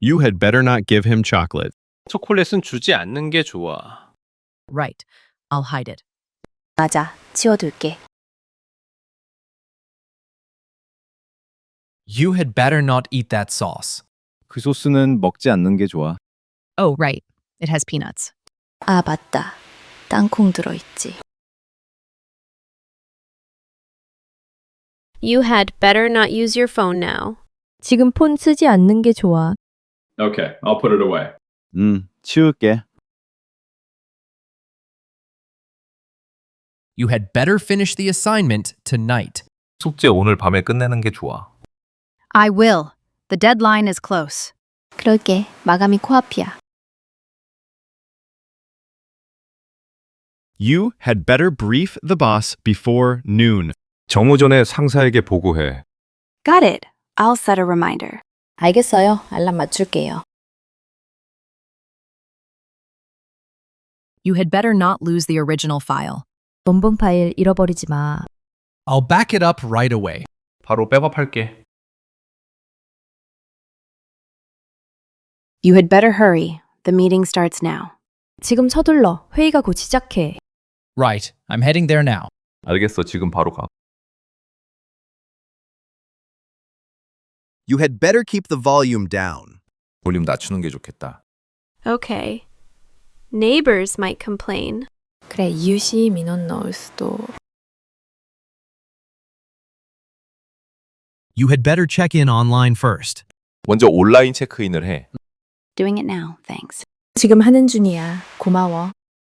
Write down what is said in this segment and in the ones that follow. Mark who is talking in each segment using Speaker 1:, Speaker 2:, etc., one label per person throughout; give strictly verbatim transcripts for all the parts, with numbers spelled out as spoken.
Speaker 1: You had better not give him chocolate.
Speaker 2: 초콜릿은 주지 않는 게 좋아.
Speaker 3: Right. I'll hide it.
Speaker 4: 맞아, 치워둘게.
Speaker 5: You had better not eat that sauce.
Speaker 6: 그 소스는 먹지 않는 게 좋아.
Speaker 3: Oh, right. It has peanuts.
Speaker 4: 아, 맞다. 땅콩 들어있지.
Speaker 7: You had better not use your phone now.
Speaker 8: 지금 폰 쓰지 않는 게 좋아.
Speaker 9: Okay, I'll put it away.
Speaker 6: 음, 치울게.
Speaker 5: You had better finish the assignment tonight.
Speaker 10: 숙제 오늘 밤에 끝내는 게 좋아.
Speaker 11: I will. The deadline is close.
Speaker 4: 그럴게. 마감이 코앞이야.
Speaker 1: You had better brief the boss before noon.
Speaker 10: 정오 전에 상사에게 보고해.
Speaker 11: Got it. I'll set a reminder.
Speaker 4: 알겠어요. 알람 맞출게요.
Speaker 3: You had better not lose the original file.
Speaker 8: 원본 파일 잃어버리지 마.
Speaker 5: I'll back it up right away.
Speaker 10: 바로 백업할게.
Speaker 11: You had better hurry. The meeting starts now.
Speaker 8: 지금 서둘러. 회의가 곧 시작해.
Speaker 5: Right. I'm heading there now.
Speaker 10: 알겠어, 지금 바로 가.
Speaker 12: You had better keep the volume down.
Speaker 10: 볼륨 낮추는 게 좋겠다.
Speaker 7: Okay. Neighbors might complain.
Speaker 4: 그래, 이웃이 민원 넣을 수도.
Speaker 5: You had better check in online first.
Speaker 10: 먼저 온라인 체크인을 해.
Speaker 11: Doing it now, thanks.
Speaker 8: 지금 하는 중이야. 고마워.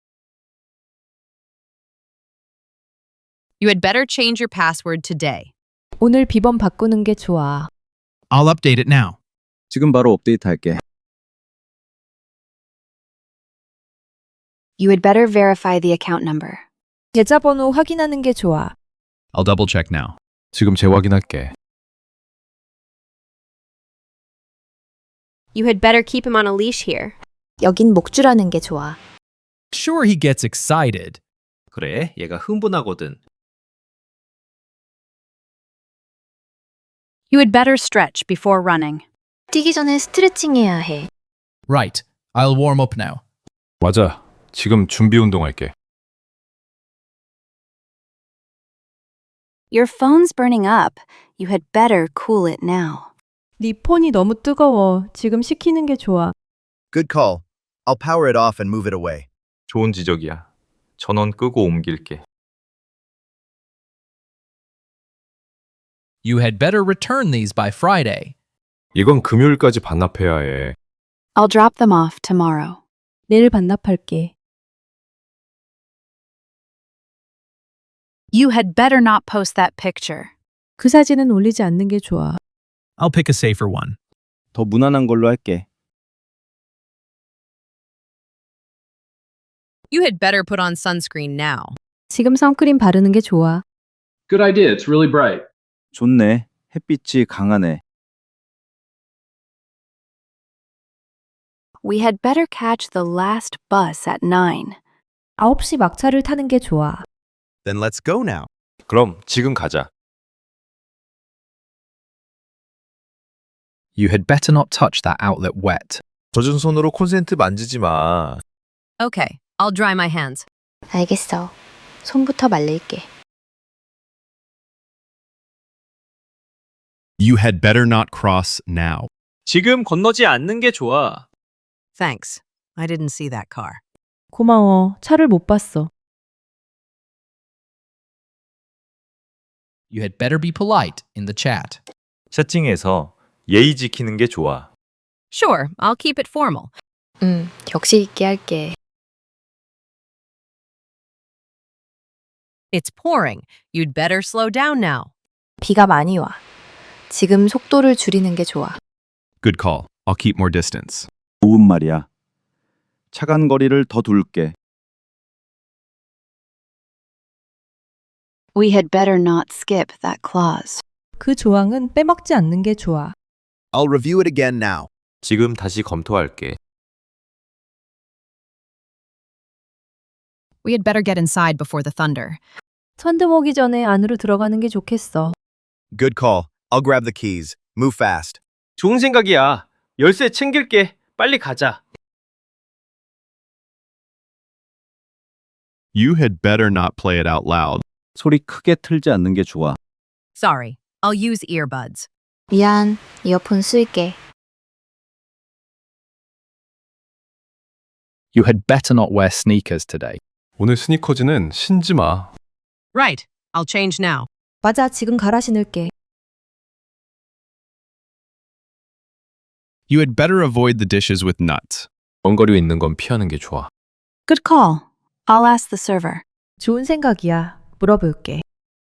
Speaker 3: You had better change your password today.
Speaker 8: 오늘 비번 바꾸는 게 좋아.
Speaker 5: I'll update it now.
Speaker 6: 지금 바로 업데이트할게.
Speaker 11: You had better verify the account number.
Speaker 8: 계좌번호 확인하는 게 좋아.
Speaker 1: I'll double check now.
Speaker 10: 지금 재확인할게.
Speaker 7: You had better keep him on a leash here.
Speaker 4: 여긴 목줄하는 게 좋아.
Speaker 5: Sure, he gets excited.
Speaker 2: 그래, 얘가 흥분하거든.
Speaker 11: You had better stretch before running.
Speaker 4: 뛰기 전에 스트레칭 해야 해.
Speaker 5: Right. I'll warm up now.
Speaker 10: 맞아. 지금 준비 운동할게.
Speaker 11: Your phone's burning up. You had better cool it now.
Speaker 8: 네 폰이 너무 뜨거워. 지금 식히는 게 좋아.
Speaker 12: Good call. I'll power it off and move it away.
Speaker 10: 좋은 지적이야. 전원 끄고 옮길게.
Speaker 5: You had better return these by Friday.
Speaker 10: 이건 금요일까지 반납해야 해.
Speaker 11: I'll drop them off tomorrow.
Speaker 8: 내일 반납할게.
Speaker 11: You had better not post that picture.
Speaker 8: 그 사진은 올리지 않는 게 좋아.
Speaker 5: I'll pick a safer one.
Speaker 6: 더 무난한 걸로 할게.
Speaker 3: You had better put on sunscreen now.
Speaker 8: 지금 선크림 바르는 게 좋아.
Speaker 9: Good idea, it's really bright.
Speaker 6: 좋네. 햇빛이 강하네.
Speaker 11: We had better catch the last bus at nine.
Speaker 8: 아홉 시 막차를 타는 게 좋아.
Speaker 12: Then let's go now.
Speaker 10: 그럼 지금 가자.
Speaker 5: You had better not touch that outlet wet.
Speaker 10: 젖은 손으로 콘센트 만지지 마.
Speaker 3: Okay. I'll dry my hands.
Speaker 4: 알겠어. 손부터 말릴게.
Speaker 1: You had better not cross now.
Speaker 2: 지금 건너지 않는 게 좋아.
Speaker 3: Thanks. I didn't see that car.
Speaker 8: 고마워. 차를 못 봤어.
Speaker 5: You had better be polite in the chat.
Speaker 10: 채팅에서 예의 지키는 게 좋아.
Speaker 3: Sure, I'll keep it formal.
Speaker 4: 응, 격식 있게 할게.
Speaker 3: It's pouring. You'd better slow down now.
Speaker 4: 비가 많이 와. 지금 속도를 줄이는 게 좋아.
Speaker 1: Good call. I'll keep more distance.
Speaker 6: 좋은 말이야. 차간 거리를 더 둘게.
Speaker 11: We had better not skip that clause.
Speaker 8: 그 조항은 빼먹지 않는 게 좋아.
Speaker 12: I'll review it again now.
Speaker 10: 지금 다시 검토할게.
Speaker 3: We had better get inside before the thunder.
Speaker 8: 천둥 오기 전에 안으로 들어가는 게 좋겠어.
Speaker 12: Good call. I'll grab the keys. Move fast.
Speaker 2: 좋은 생각이야. 열쇠 챙길게. 빨리 가자.
Speaker 1: You had better not play it out loud.
Speaker 6: 소리 크게 틀지 않는 게 좋아.
Speaker 3: Sorry, I'll use earbuds.
Speaker 4: 미안, 이어폰 쓸게.
Speaker 5: You had better not wear sneakers today.
Speaker 10: 오늘 스니커즈는 신지 마.
Speaker 3: Right, I'll change now.
Speaker 8: 맞아, 지금 갈아 신을게.
Speaker 1: You had better avoid the dishes with nuts.
Speaker 10: 원거리 있는 건 피하는 게 좋아.
Speaker 11: Good call. I'll ask the server.
Speaker 8: 좋은 생각이야. 물어볼게.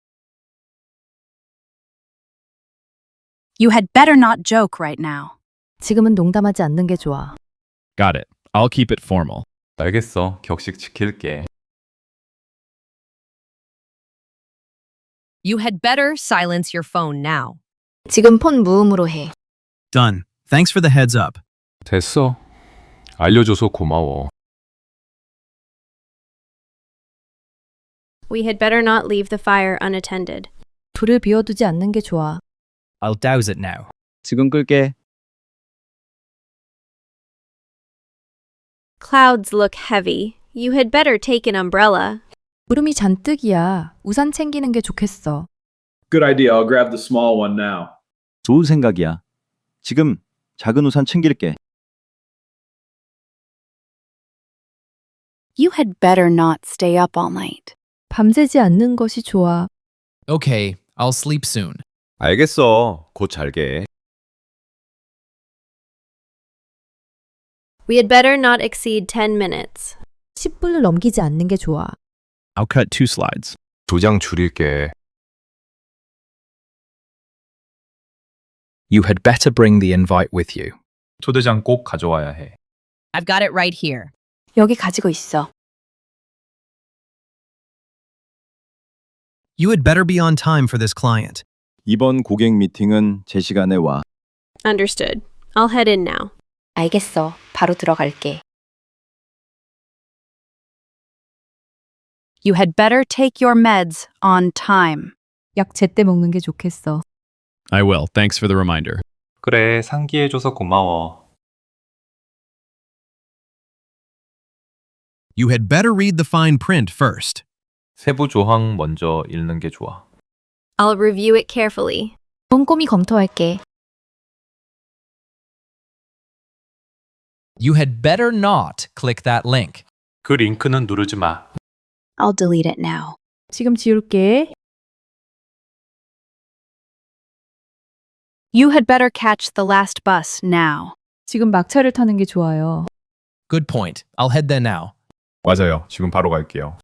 Speaker 11: You had better not joke right now.
Speaker 8: 지금은 농담하지 않는 게 좋아.
Speaker 1: Got it. I'll keep it formal.
Speaker 10: 알겠어. 격식 지킬게.
Speaker 3: You had better silence your phone now.
Speaker 4: 지금 폰 무음으로 해.
Speaker 5: Done. Thanks for the heads up.
Speaker 10: 됐어. 알려줘서 고마워.
Speaker 7: We had better not leave the fire unattended.
Speaker 8: 불을 비워두지 않는 게 좋아.
Speaker 5: I'll douse it now.
Speaker 6: 지금 끌게.
Speaker 7: Clouds look heavy. You had better take an umbrella.
Speaker 8: 구름이 잔뜩이야. 우산 챙기는 게 좋겠어.
Speaker 9: Good idea. I'll grab the small one now.
Speaker 6: 좋은 생각이야. 지금 작은 우산 챙길게.
Speaker 11: You had better not stay up all night.
Speaker 8: 밤새지 않는 것이 좋아.
Speaker 5: Okay, I'll sleep soon.
Speaker 10: 알겠어. 곧 잘게.
Speaker 7: We had better not exceed ten minutes.
Speaker 8: 십 분을 넘기지 않는 게 좋아.
Speaker 1: I'll cut two slides.
Speaker 10: 두 장 줄일게.
Speaker 5: You had better bring the invite with you.
Speaker 10: 초대장 꼭 가져와야 해.
Speaker 3: I've got it right here.
Speaker 11: 여기 가지고 있어.
Speaker 5: You had better be on time for this client.
Speaker 6: 이번 고객 미팅은 제 시간에 와.
Speaker 7: Understood. I'll head in now.
Speaker 4: 알겠어. 바로 들어갈게.
Speaker 11: You had better take your meds on time.
Speaker 8: 약 제때 먹는 게 좋겠어.
Speaker 1: I will. Thanks for the reminder.
Speaker 10: 그래, 상기해줘서 고마워.
Speaker 5: You had better read the fine print first.
Speaker 10: 세부 조항 먼저 읽는 게 좋아.
Speaker 7: I'll review it carefully.
Speaker 4: 꼼꼼히 검토할게.
Speaker 5: You had better not click that link.
Speaker 10: 그 링크는 누르지 마.
Speaker 11: I'll delete it now.
Speaker 8: 지금 지울게.
Speaker 11: You had better catch the last bus now.
Speaker 8: 지금 막차를 타는 게 좋아요.
Speaker 5: Good point. I'll head there now.
Speaker 10: 맞아요. 지금 바로 갈게요.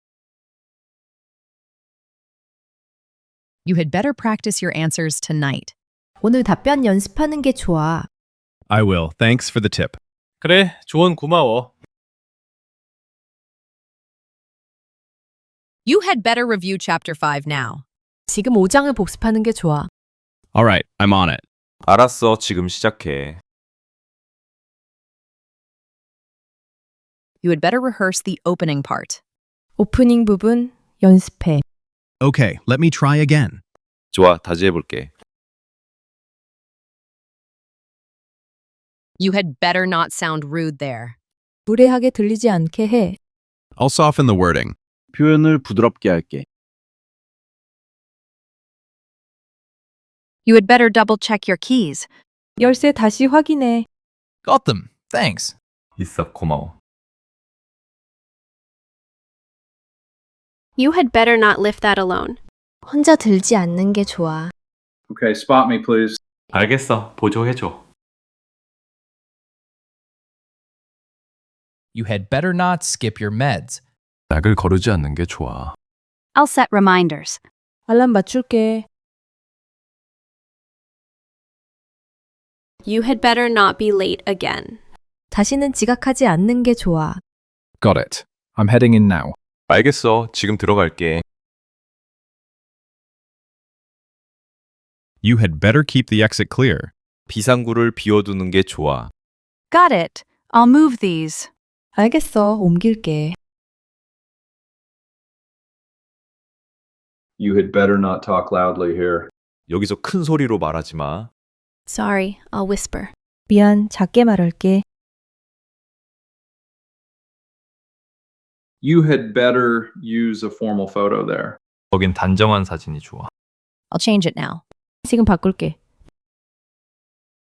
Speaker 3: You had better practice your answers tonight.
Speaker 8: 오늘 답변 연습하는 게 좋아.
Speaker 1: I will. Thanks for the tip.
Speaker 2: 그래, 조언 고마워.
Speaker 3: You had better review chapter five now.
Speaker 8: 지금 오 장을 복습하는 게 좋아.
Speaker 1: All right, I'm on it.
Speaker 10: 알았어. 지금 시작해.
Speaker 3: You had better rehearse the opening part.
Speaker 8: 오프닝 부분 연습해.
Speaker 5: Okay, let me try again.
Speaker 10: 좋아, 다시 해볼게.
Speaker 3: You had better not sound rude there.
Speaker 8: 무례하게 들리지 않게 해.
Speaker 1: I'll soften the wording.
Speaker 6: 표현을 부드럽게 할게.
Speaker 11: You had better double check your keys.
Speaker 8: 열쇠 다시 확인해.
Speaker 5: Got them. Thanks.
Speaker 10: 있어, 고마워.
Speaker 7: You had better not lift that alone.
Speaker 4: 혼자 들지 않는 게 좋아.
Speaker 9: Okay, spot me, please.
Speaker 10: 알겠어. 보조해줘.
Speaker 5: You had better not skip your meds.
Speaker 10: 약을 거르지 않는 게 좋아.
Speaker 11: I'll set reminders.
Speaker 8: 알람 맞출게.
Speaker 7: You had better not be late again.
Speaker 8: 다시는 지각하지 않는 게 좋아.
Speaker 5: Got it. I'm heading in now.
Speaker 10: 알겠어. 지금 들어갈게.
Speaker 1: You had better keep the exit clear.
Speaker 10: 비상구를 비워두는 게 좋아.
Speaker 11: Got it. I'll move these.
Speaker 8: 알겠어. 옮길게.
Speaker 9: You had better not talk loudly here.
Speaker 10: 여기서 큰 소리로 말하지 마.
Speaker 7: Sorry, I'll whisper.
Speaker 8: 미안, 작게 말할게.
Speaker 9: You had better use a formal photo there.
Speaker 10: 거긴 단정한 사진이 좋아.
Speaker 3: I'll change it now.
Speaker 8: 지금 바꿀게.